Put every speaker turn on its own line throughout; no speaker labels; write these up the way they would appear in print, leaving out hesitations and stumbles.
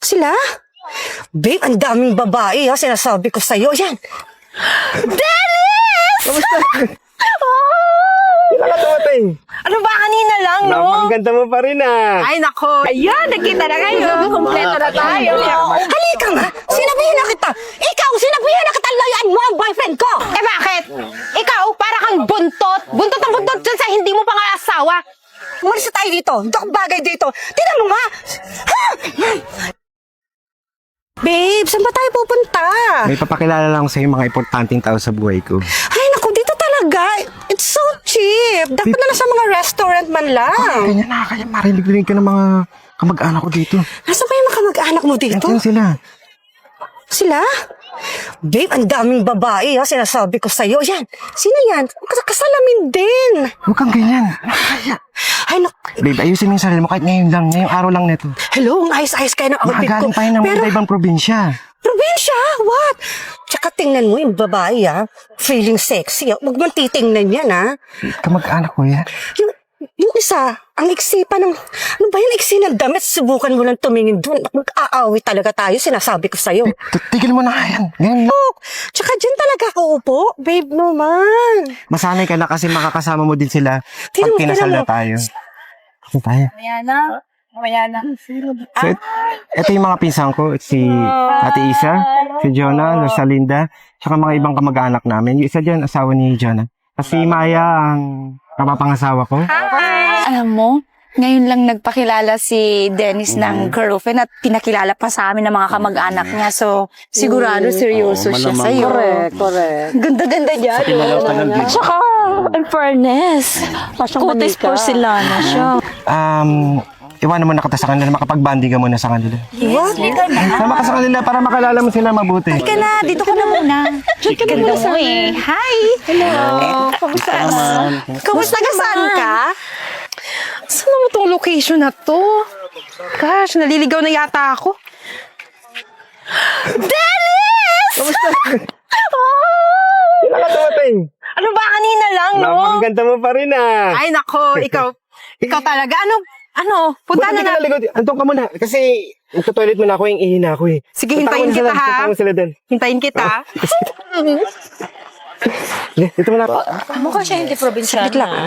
Sila? Babe, ang daming babae ha, sinasabi ko sa'yo. Yan! Dennis!
Kamusta? Kailan ka tumatay?
Ano ba kanina lang, no?
Napakaganda mo pa rin
Ay, nako. Ayan, nakita na kayo. Kompleto na tayo. Halika nga. Sinabihan na kita. Ikaw, sinabihan na kita layuan mo ang boyfriend ko.
Eh bakit? Ikaw, para kang buntot. Buntot ang buntot dyan sa hindi mo pa nga asawa.
Umalis na tayo dito. Hindi ako bagay dito. Tignan mo nga. Ha? Babe, saan ba tayo pupunta?
May papakilala lang sa'yo mga importanteng tao sa buhay ko.
Ay, naku, dito talaga. It's so cheap. Dapat na sa mga restaurant man lang.
Kanya na, kaya marinig-rinig ka ng mga kamag-anak ko dito.
Nasaan ba yung mga kamag-anak mo dito?
Yan sila.
Sila? Babe, ang daming babae ha, sinasabi ko sa'yo. Yan, sino yan? Kasalamin din.
Huwag kang ganyan. Nakakaya.
Ay,
Babe, ayusin mo yung sarili mo kahit ngayon lang, ngayong araw lang neto.
hello, ang ayos-ayos kayo ng outfit ko.
Makagaling tayo ng
Pero,
ibang probinsya.
probinsya? What? Tsaka tingnan mo yung babae ha, feeling sexy. Huwag mong titingnan yan ha.
Kamag-anak ko yan.
Yung isa, ang iksi pa ng, ano ba yung iksi ng damit? Subukan mo lang tumingin doon. Mag-aawi talaga tayo, sinasabi ko sa'yo.
Tigil mo na yan. Ngayon lang.
Oh, tsaka dyan talaga ako upo. Babe naman.
Masanay ka na kasi makakasama mo din sila pag
Tingnan mo,
kinasal
tingnan
na
mo.
tayo. Kasi tayo.
Mamaya na.
So, ito yung mga pinsan ko. Si Ate Isa, si Jonah, Rosalinda, tsaka mga ibang kamag-anak namin. Yung isa dyan, asawa ni Jonah. Kasi Maya ang kapapangasawa ko.
Alam mo, ngayon lang nagpakilala si Dennis ng girlfriend at pinakilala pa sa amin ng mga kamag-anak niya. So, sigurado seryoso siya sa'yo.
Correct.
Ganda-ganda niya. Tsaka, in fairness, kutis porcelana siya.
Iwanan mo na kita sa kanila, makapag-banding ka muna sa kanila.
What?
Sama ka sa kanila para makalala mo sila mabuti.
Ka na, dito ka na muna. Ganda mo eh. Hi! Hello! Kamusta naman?
Kamusta ka? Saan ka?
Saan naman itong location na to? Gosh, naliligaw na yata ako. Dennis!
Kamusta? Kailan ka tumatay?
Ano ba kanina lang, no?
Napakaganda mo pa rin
Ay, nako, ikaw talaga. Ano, punta na na.
Antong ka muna. Kasi, toilet mo na ako, yung ihi na ako eh.
Sige,
Punta
hintayin
mo na
kita,
sila,
ha?
punta mo sila dun.
Hintayin kita.
Dito mo na ako.
Mukha siya hindi probinsyano.
Saglit lang.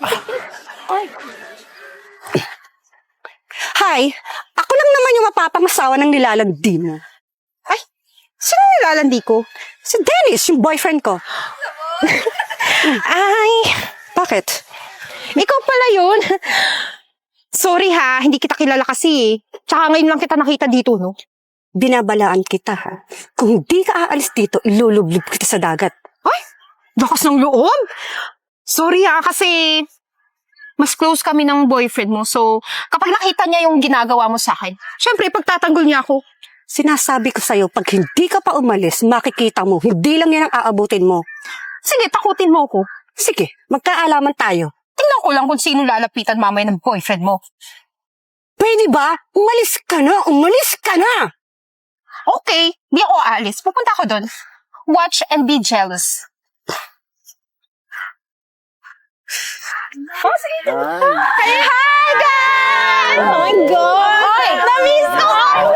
Hi, ako lang naman yung mapapangasawa ng nilalandi mo.
Ay, sino nilalandi ko?
Si Dennis, yung boyfriend ko.
Ay,
Bakit?
ikaw pala yun. Sorry ha, hindi kita kilala kasi eh. Tsaka ngayon lang kita nakita dito, no?
Binabalaan kita, ha? Kung di ka aalis dito, ilulublib kita sa dagat.
Ay, lakas ng loob. Sorry ha, kasi mas close kami ng boyfriend mo. So, kapag nakita niya yung ginagawa mo sa akin, syempre, pagtatanggol niya ako.
Sinasabi ko sa'yo, pag hindi ka pa umalis, makikita mo, hindi lang yan ang aabutin mo.
Sige, takutin mo ako.
Sige, magkaalaman tayo.
Tingnan ko lang kung sino lalapitan mamaya ng boyfriend mo.
Pwede ba? Umalis ka na! Umalis ka na!
Okay, di ako aalis. Pupunta ako doon. Watch and be jealous. Hey, hi guys! Oh my God! Oy, na-miss ko!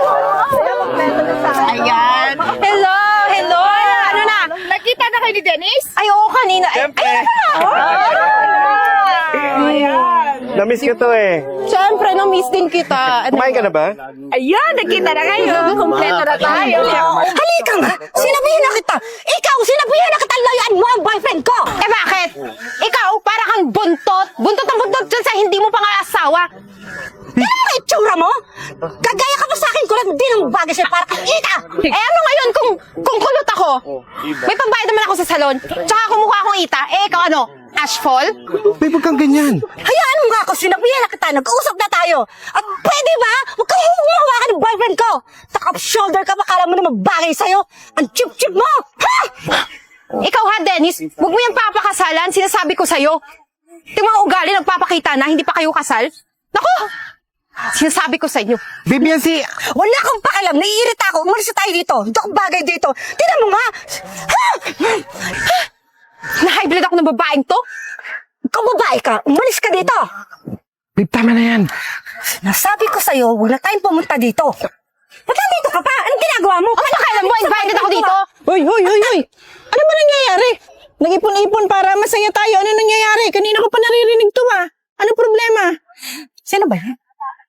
Ayan. Hello! Ano na? Nakita na kayo ni Dennis? Ay, oo, kanina.
Siyempre.
Ayan.
Na-miss ko to eh.
Siyempre, na-miss din kita.
Kumain ka na ba?
Ayan, nakita na kayo. Kompleto na tayo.
Halika nga! Sinabihan na kita! Ikaw, sinabihan na kita layuan mo ang boyfriend ko!
Eh bakit? Ikaw, para kang buntot. Buntot ang buntot dyan sa hindi mo pa nga asawa.
Tingnan mo ang itsura mo! Kagaya ka pa sa akin, kulang din ang bagay sa'yo para kang ita!
Eh ano ngayon kung kulot ako? May pambayad naman ako sa salon. Tsaka kumukha akong ita. Eh ikaw ano? Ashfall?
Babe, huwag kang ganyan.
Hayaan mo nga ako, sinabihan na kita, nag-uusap na tayo! At pwede ba? Huwag kang humawa ka ng boyfriend ko! Takap-shoulder ka, makala mo na magbagay sa'yo! Ang chip-chip mo! Ha?
Ikaw ha, Dennis? Huwag mo yung papakasalan. Sinasabi ko sa'yo. Yung mga ugali nagpapakita na hindi pa kayo kasal. Naku! Sinasabi ko sa inyo.
Babe, yan si...
Wala kang pakialam, naiirita ako, umalis na tayo dito! Hindi ako bagay dito! Tingnan mo nga! Ha?
Na-high blood ako ng babaeng to.
Ikaw babae ka, umalis ka dito!
Babe, tama na yan.
Nasabi ko sa'yo, huwag na tayong pumunta dito. Ba't nandito ka pa? Anong ginagawa mo?
Ano ba kailan mo? Invited ako dito?
Hoy, hoy, hoy, hoy! Ano ba nangyayari? Nag-ipon-ipon para masaya tayo. Ano nangyayari? Kanina ko pa naririnig to ah. Ano problema?
Sino ba yan?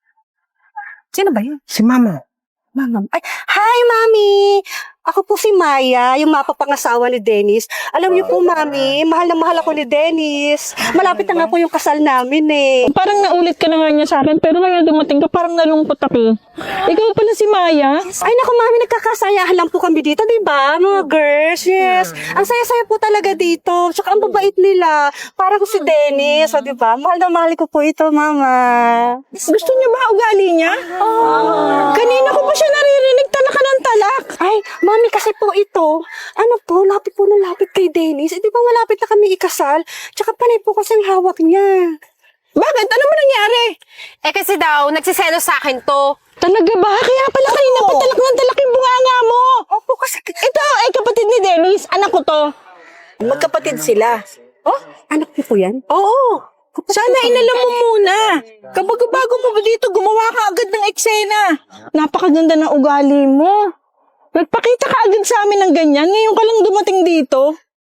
Sino ba yan?
Si Mama.
Mama. Ay, hi, Mami! Ako po si Maya, yung mapapangasawa ni Dennis. Alam niyo po, Mami, mahal na mahal ako ni Dennis. Malapit na nga po yung kasal namin eh.
Parang naulit ka na nga niya sa akin, pero ngayon dumating ka, parang nalungkot ako. Ikaw pala si Maya.
Ay, naku, Mami, nagkakasayahan lang po kami dito, di ba? Mga girls, yes. Ang saya-saya po talaga dito. Tsaka ang babait nila. Parang si Dennis, o di ba? Mahal na mahal ko po ito, Mama.
Gusto niya ba ugali niya? Kanina ko pa siya naririnig, talak ka ng talak.
Ay, Mami, kasi po ito, ano po, lapit po na lapit kay Dennis. Eh, di ba malapit na kami ikasal? Tsaka panay po kasi ang hawak niya.
Bakit? Ano ba nangyari?
Eh kasi daw, nagsiselos sa akin to.
Talaga ba? Kaya pala kanina pa talak ng talak yung bunganga mo.
Opo, kasi
Ito ay kapatid ni Dennis, anak ko to.
magkapatid sila. Oh, anak niyo po yan?
Oo. Sana inalam mo muna. Kapag bago mo ba dito, gumawa ka agad ng eksena. Napakaganda ng ugali mo. Nagpakita ka agad sa amin ng ganyan. Ngayon ka lang dumating dito.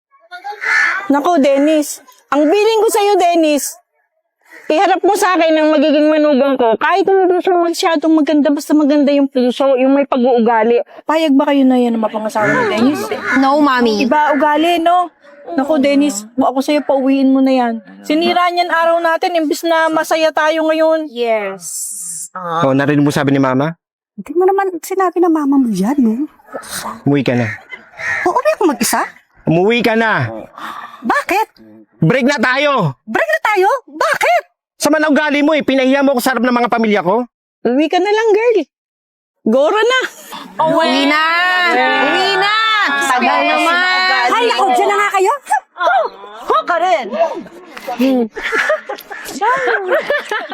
Nako, Dennis. Ang biling ko sa'yo, Dennis. Iharap mo sa akin ang magiging manugang ko. Kahit hindi siya masyadong maganda, basta maganda yung puso, yung may pag-uugali. Payag ba kayo na yan ang mapangasawa ni Dennis?
No, Mami.
Iba ugali, no? Naku, Dennis, ako sa'yo, pauwiin mo na yan. Sinira niyan araw natin, imbis na masaya tayo ngayon.
Yes.
Oh, narinig mo sabi ni Mama?
Hindi mo naman sinabi na mama mo yan, no?
Umuwi ka na.
Uuwi ako mag-isa?
Umuwi ka na!
Bakit?
Break na tayo!
Break na tayo? Bakit?
Sama na ugali mo eh. Pinahiya mo ako sa harap ng mga pamilya ko.
Uwi ka na lang, girl. Gora na.
Uwi na! Uwi na! Tagal naman!
Ay, ako, dyan na nga kayo. Ka rin.